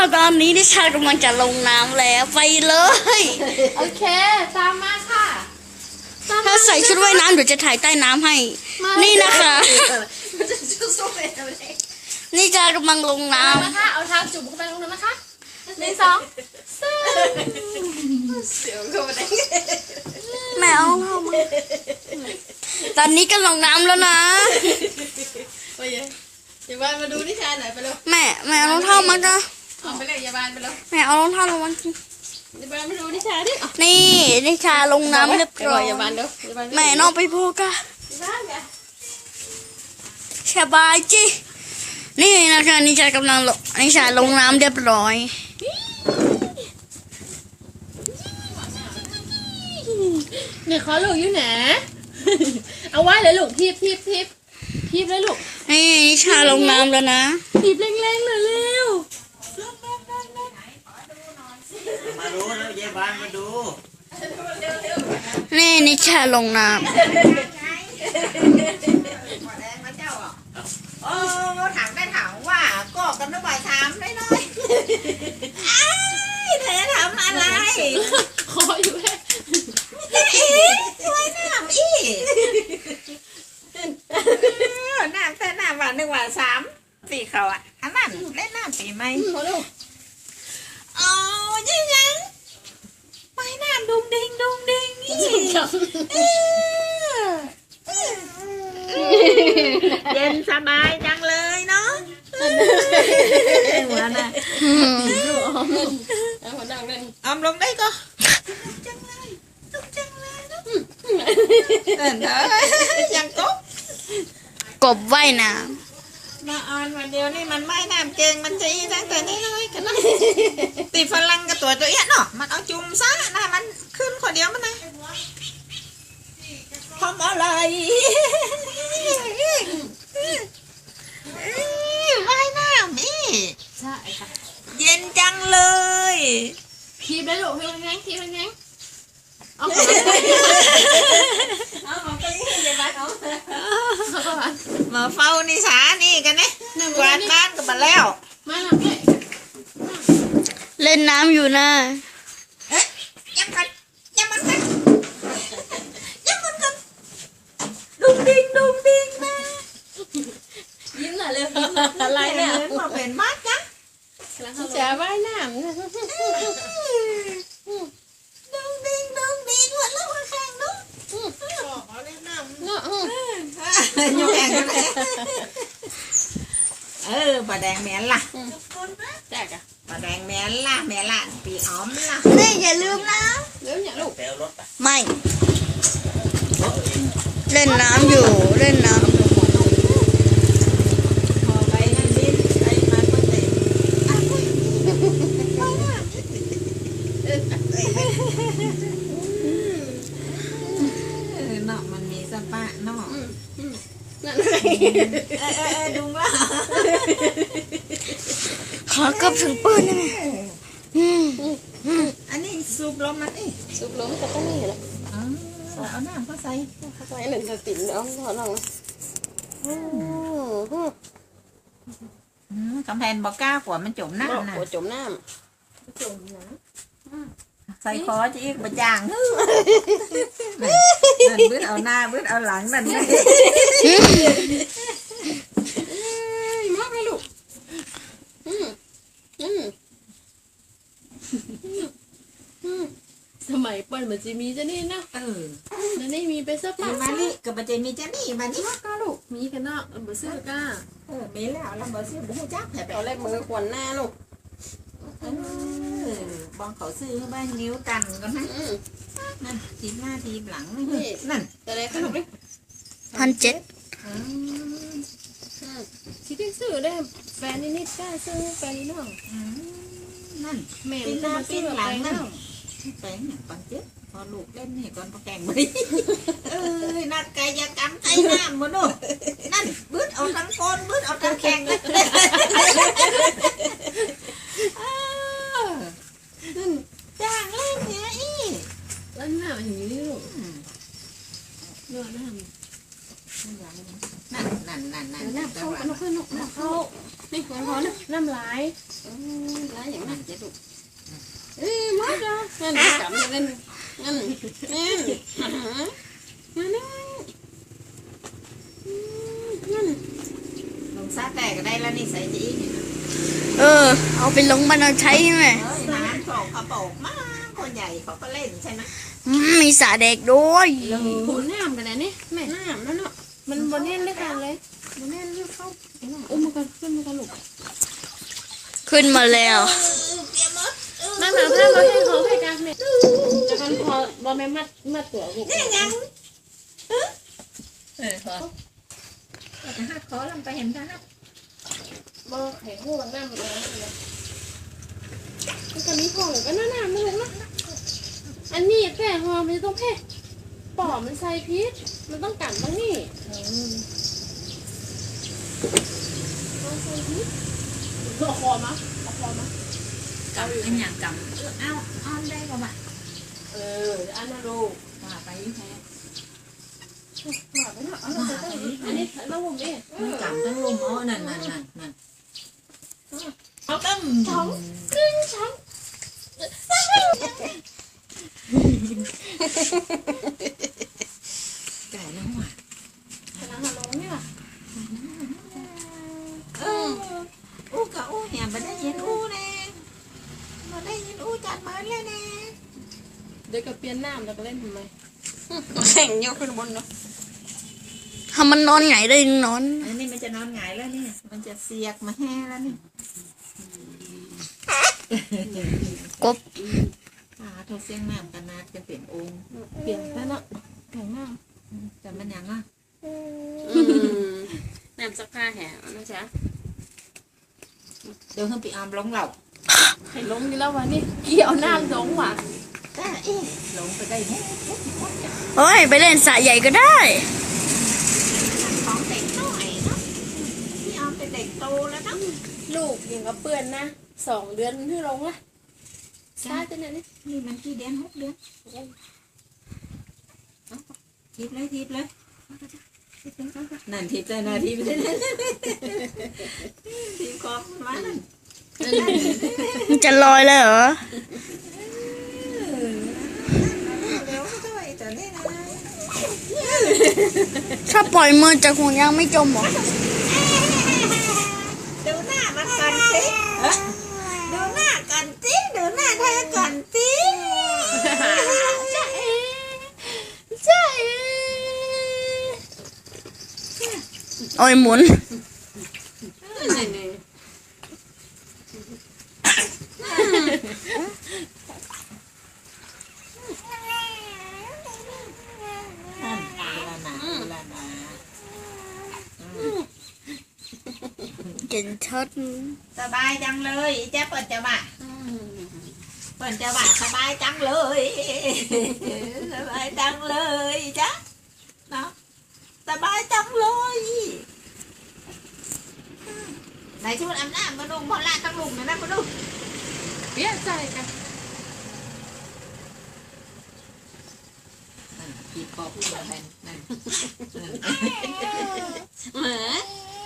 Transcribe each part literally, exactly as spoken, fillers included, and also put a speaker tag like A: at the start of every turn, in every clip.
A: ตอนนี้นิชากำลังจะลงน้ำแล้วไปเลย
B: โอเคตามมาค่ะ
A: ถ้าใส่ชุดว่ายน้ำเดี๋ยวจะถ่ายใต้น้ำให้นี่นะคะนิชากำลังลงน้ำ
B: นะคะเอาเท้าจุ่มเข้าไปลงน้ำนะคะหนึ่งสองสามเสียวเข้าไปได้
A: แม่เอาเข้ามาตอนนี้ก็ลงน้ำแล้วนะ
B: ไปยังอย่าบ้านมาดูนิชาหน่อยไปเลย
A: แม่แม่เอารองเท้ามาจ้ะ
B: เอาไปเลยอย่าบ้านไปเลย
A: แม่เอารองเท้าลงมา
B: อย่าบ้านมาดูนิชาดิ
A: นี่นิชาลงน้ำเรียบร้อย
B: อย่าบ้านเด้อ
A: แม่น้องไปพูดกันสบายจีนี่นะคะนิชากำลังลงนิชาลงน้ำเรียบร้อย
B: เนี่ยขอลูกอยู่ไหนเอาไว้เลยลูกทีบทีบทีบทีบเลยลูก
A: นี่นิชาลงน้ำแล้วนะ
B: ทีบแรงๆเลยเร็ว
C: มาดูแล้วยายบ้านมาดู
A: นี่นิชาลงน้ำ
C: โอ้ถามได้ถามว่าก็กันน้ำใบถามได้น้อยไอ้เธอทำอะไร
B: ขออยู่แค่
C: อีช่วยน้ำอีน้ำแต่น้ำวันหนึ่งวันสามสี่เขาอ่ะอันนั้นเล่นน้ำปีไหมอ๋อยังยังไปน้ำดุงดิงดุงดิงนี่เย็นสบายจังเลยเนาะหัวน่ะอมลงได้ก็จังเลยจุกจังเลยเนาะเออยังกบ
A: กบว่ายน้
C: ำมาออนวันเดียวนี่มันไม่น้ำเจงมันจะอีตั้งแต่นี้เลยกันนะตีฝรั่งกับตัวตัวเอี้ยเนาะมันเอาจุ่มซะนะมันขึ้นคนเดียวมันนะทำอะไรว่ายน้ำนี่
B: ใช่ค่ะ
C: เย็นจังเลย
B: ทีบเลยลูกทีบแรงทีบแรงเอาเอาเอาไปให้ยายบ้านเอา
C: มาเฝ้านิสานี่กันเนี่ยกวาดบ้านกันมาแล้ว
B: มาหลับเลย
A: เล่นน้ำอยู่นะ
C: เอ๊ะยังกันยังมันกันยังมันกันดุงดิงดุงดิงนะ
B: ยิ้มหน่อยเร็วอะไรเนี่ย
C: มาเป็นมัดจ้ะ
B: จะว่ายน้ำ
C: ดุงดิงดุงดิงวันละวันแข่งดุง
B: เอาเล่นน้ำเนาะ
C: ยังแข่งกันเลยเออปลาแดงแม่ล่ะ
B: แจกอะ
C: ปลาแดงแม่ล่ะแม่ล่ะปีอ้อมล่ะ
A: นี่อย่าลืมนะ
B: ลืมอย่างลูก
A: ไม่เล่นน้ำอยู่เล่นน้ำ
C: พอไปนั่นดิใช้มาก็เตะเนาะมันมีสปะเนาะ
B: นั่นเลย
C: เออเออดุงละ
A: ขอกับถึงปืนนี่
C: อันนี้ซุปลมมันนี่
B: ซุปล้มก็ต้องนี่แหละ
C: เอาน้ำก็ใส่
B: ใส่หนึ่งสติ่มแล้วพอลอง
C: กำแพงบอกก้ากว่ามันจมน้ำนะ
B: จมน้ำจมน้
C: ำใส่คอจะอีกบะจางนั่นบื้อเอาหน้าบื้อเอาหลังนั่นนี่
B: มากเลยลูกอืมอืมสมัยก่อนมันจะมีจะนี่นะ
C: เออ
B: นั่นนี่มีไปสักปั
C: มานี่กับมันจะมีจะนี่มานี่
B: ก็ลูกมีกันเนาะเบอร์ซื้อก้า
C: เออมีแล้วเราเบอร์ซื้อบุ้งจักแต่
B: เอาแรกมือขวัญหน้าลูก
C: บองเขาซื้อบ้านนิ้วกันก็นะนั่นทีหน้าทีหลังนั่น
B: แต่ไหนคะลูกนี่
A: พันเจ็ด
B: ที่ได้ซื้อได้แฟนนี่นิดได้ซื้อแฟนนี่น้อง
C: นั่น
B: แม่
C: หน้าปีหลังนั่นแปลงเนี่ยปันเจ็ดพอลูกเล่นนี่ก่อนพอแกงไปเออนักกายกรรมไอ้น้ำมันนู่นนั่นบื้อเอาทั้งโกนบื้อเอาทั้งแข่งเลยจ้างเล่นเนี่ยอี
B: เล่นหน้าอย่างนี้ลูกเนื้อหน้า
C: นั่นนั่นนั่นนั่น
B: น้ำเข้าน้ำเข้าน้ำเข้านี่ของเขาน้ำไหลไหลอย่างนั้นจะลูกเอ้ยมาจ้ะงั้นกลับมาเล่นงั้นงั้นมานั่งงั้น
C: ลงซาแต่ก็ได้แล้วนี่ใส่จีนี่
A: เออ เอาไปลงบันเอาใช้ไหม
C: เอ้ยน้ำโปกเขาโปกมากคนใหญ่เขาก็เล่นใช่ไหม
A: อืมมีสระเด็กด้วย
B: ผูน้ำกันนะนี่แม่น้ำนั่นเนาะมันบนแน่นด้วยกันเลยบนแน่นด้วยเข้าอุ้มมากันขึ้นมากันลูก
A: ขึ้นมาแล้ว
C: เตรียมมด
B: มาหาผ้ามาให้เขาให้กันแม่จะกันพอบอแม่มัดมัดตัวลูก
C: นี่ยังเออเออพอจะหักคอลงไปเห็นกันนะ
B: บอแข็งหัวน้ำมันเลยมันจะมีของก็น่าหนาไม่รู้นะอันนี้แพ้หอมมันต้องแพ้ปอมันใส่พิษมันต้องกัดบ้างนี่ต้องใส่พิษเอาคอมาเอาคอมาก
C: ำเป็นอย่างกำเอาเอาได้ก็มา
B: เอออันนั้นลูก
C: ว่าไปแพ้
B: ว่าไปเนาะอันนี้เราผมเอง
C: กำทั้งลุมอ๋อนั่นนั่นนั่นนั่นเอาตั้ง
B: ช้องครึ่งช้อง
C: ไก่น้ำหวาน
B: ขนาดหันลงนี่ล่ะ
C: เอออู้กะอู้เหี่ยมาได้ยินอู้แน่มาได้ยินอู้จัดมาเลยแน่
B: เดี๋ยวก็เปลี่ยนน้ำแล้วก็เล่นทำไม
A: แข่งยกขึ้นบนเนาะทำมันนอนไงได้นอน
C: อันนี้มันจะนอนหงายแล้วนี่มันจะเสียกมาแห่แล้วนี่
A: กบ
C: อ่าโทรเสียงน้ำกันนาดจะเปลี่ยนองค์
B: เปลี่ยนแล้วเนาะแข็งมาก
C: แต่มันยังอ่ะ
B: น้ำซักผ้าแห้งนะจ๊ะ
C: เดี๋ยวให้ปีอามลงเหล่า
B: ให้ลงนี่แล้ววะนี่เกี่ยวน้ำลงว่ะ
C: จ้าเอ๊ะลงไปได้แน่
A: เฮ้ย ไปเล่นสระใหญ่ก็ได้
C: ของเด็กหน่อยเนาะพี่อามเป็นเด็กโตแล้วเนาะ
B: ลูกยังกับเปื่อนนะสองเดือนที่ลงละซาจะเนี่ยนี่
C: นี่มันกี่เดือนหกเดือนทิปเลยทิปเลยนั่นทิปเลยนะทิปเลยทิปของมันนั่น
A: มันจะลอยเลยเหรอ
C: เร็วด้วยแต่นี่นะ
A: ถ้าปล่อยมือจากห่วงยางไม่จมเหรอ
C: ดูหน้ามันก่อนสิดูหน้าก่อนสิดูหน้าเธอก่อนสิ
B: จ้าเอ๋จ้าเอ๋
A: โอ้ยหมุน
B: นี่นี่
C: นั่นเวลาหนาเวลาหนา
A: เก่งชัด
C: สบายจังเลยเจ๊เปิดจะบ่าเปิดจะบ่าสบายจังเลยสบายจังเลยจ๊ะเนาะสบายจังเลยไหนชุดอาบน้ำมาดูพอละทั้งลุงนะนะมาดู
B: เปลี่ยนใจกัน
C: นั่นกีบคอพูดอะไรนั่น
B: เหมือน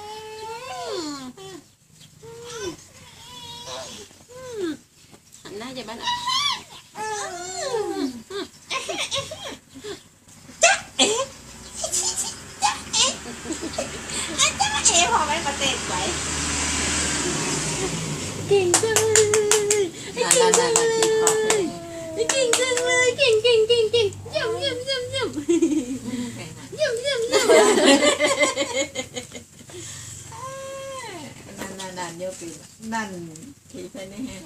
B: หันหน้าจะบ้านอ่ะ
C: จ๊ะเอ๊ะจ๊ะเอ๊ะจ๊ะเอ๊ะพอไหมประเทศไหว
B: เก่งจังเลย
C: นั่นนั่นนั่นกีบคอพูด
B: เก่งจังเลยเก่งเก่งเก่งเก่งเยี่ยมเยี่ยมเยี่ยมเยี่ยมเยี่ยมเยี่ยมเยี่ยม
C: นั่นนั่นนั่นเยอะปีนั่นทีไปนี่ฮะ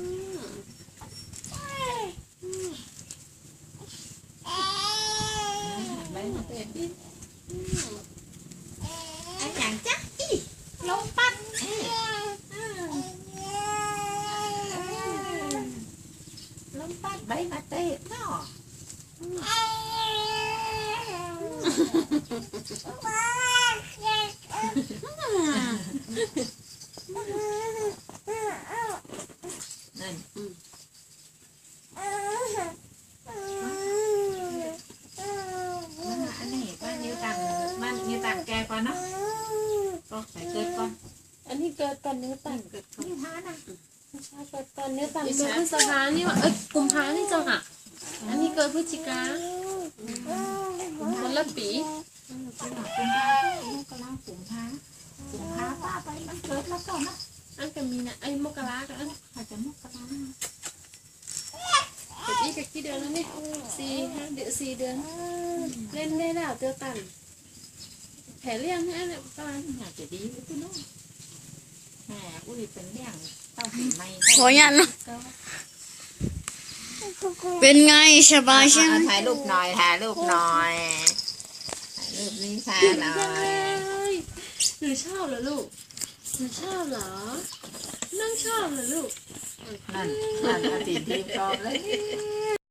C: ไปมาเตะดิไอ้อย่างจ๊ะอีลงปัดลงปัดใบมาเตะเนาะนั่นอันนี้ก็นิ้วต่ำมันนิ้วต่ำแกก่อนเนาะก็ใส่เกิดก่อน
B: อันนี้เกิดก่อนเนื้อ
C: ตั้
B: ตั
C: ง
B: น
C: เกิดนิ้วท้านะ
B: ไม่ใช่เกิดอนเนี้ยตันเกิดพฤษภานี่ว่าเอ้ยกุมภานี่จังอ่ะอันนี้เกิดพฤศจิกาคนละปี
C: กุมภากุมภาลูกกำลังกุมภากุมภาป้าไปมันเกิดแล้วก่อนนะ
B: อันก็มีนะไอ้มกรากัน
C: อาจจะมกรา
B: เด็กอีกกี่เดือนแล้วนี่สี่ห้าเดือนสี่เดือนเล่นได้แล้วเตียวตันแผลเลี้ยงให้เนี่ยตอน
C: อยากจะดีเลยพี่น้องแหมอุ้ยเป็นเรื่องเต้าผีไม่
A: ขออนุญาตเนาะเป็นไงสบายใช่ไหม
C: ถ่ายรูปหน่อยถ่ายรูปหน่อยถ่ายรูปนี้ค่ะหน่อย
B: หนูชอบเหรอลูกหนูชอบเหรอนั่งชอบเหรอลูก
C: นั่นนั่นอดีตทีมกองเลย